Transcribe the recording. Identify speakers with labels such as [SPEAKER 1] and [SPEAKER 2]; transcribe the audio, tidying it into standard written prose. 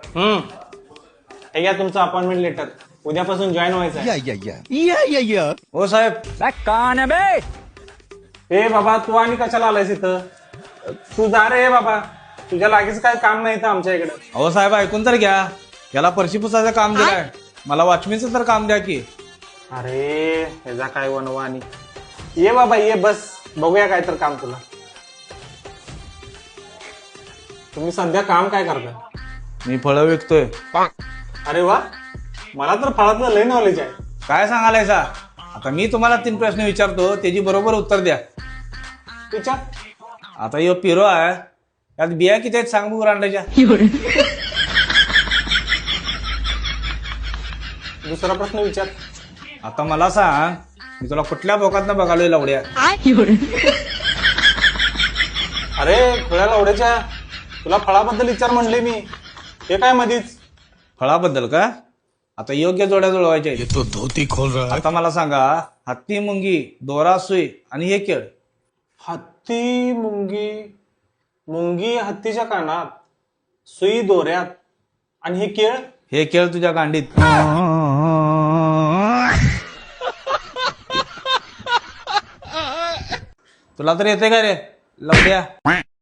[SPEAKER 1] हे घ्या तुमचं अपॉइंटमेंट लेटर. उद्यापासून जॉईन व्हायचं आहे.
[SPEAKER 2] हो साहेब.
[SPEAKER 1] ए बाबा तू आणि कशाला आलायस इथं? तू जा रे बाबा, तुझ्या लागेच काय काम नाही इथं आमच्या इकडे.
[SPEAKER 2] अहो साहेब ऐकून तर घ्या. याला फरशी पुसायचं काम दिलंय, मला वॉचमॅनचं तर काम द्या की.
[SPEAKER 1] अरे ह्याचा काय वनवानी. ये बाबा ये, बस बघूया काय तर काम तुला. तुम्ही सध्या काम काय करता?
[SPEAKER 2] मी फळं विकतोय.
[SPEAKER 1] अरे वा, मला तर फळातलं लय नॉलेज आहे.
[SPEAKER 2] काय सांगालायसा? आता मी तुम्हाला 3 प्रश्न विचारतो, त्याची बरोबर उत्तर द्या.
[SPEAKER 1] विचार.
[SPEAKER 2] आता यो पिरो आहे, त्यात बिया किती आहेत सांग बघू रांडाच्या.
[SPEAKER 1] दुसरा प्रश्न विचार.
[SPEAKER 2] आता मला सांग, मी तुला कुठल्या बोकातनं बघालोय लावड्या?
[SPEAKER 1] अरे फळ्या लावड्याच्या, तुला फळाबद्दल विचार म्हणले मी, हे काय मधीच?
[SPEAKER 2] फळाबद्दल का? आता योग्य जोड्या जुळवायच्या आहेत.
[SPEAKER 3] तो धोती खोल रहा है.
[SPEAKER 2] आता मला सांगा, हत्ती, मुंगी, दोरा, सुई आणि हे केळ.
[SPEAKER 1] हत्ती मुंगी. मुंगी हत्तीच्या कानात, सुई दोऱ्यात, आणि हे केळ.
[SPEAKER 2] हे केळ तुझ्या गांडीत. तुला तर येते का रे लावड्या?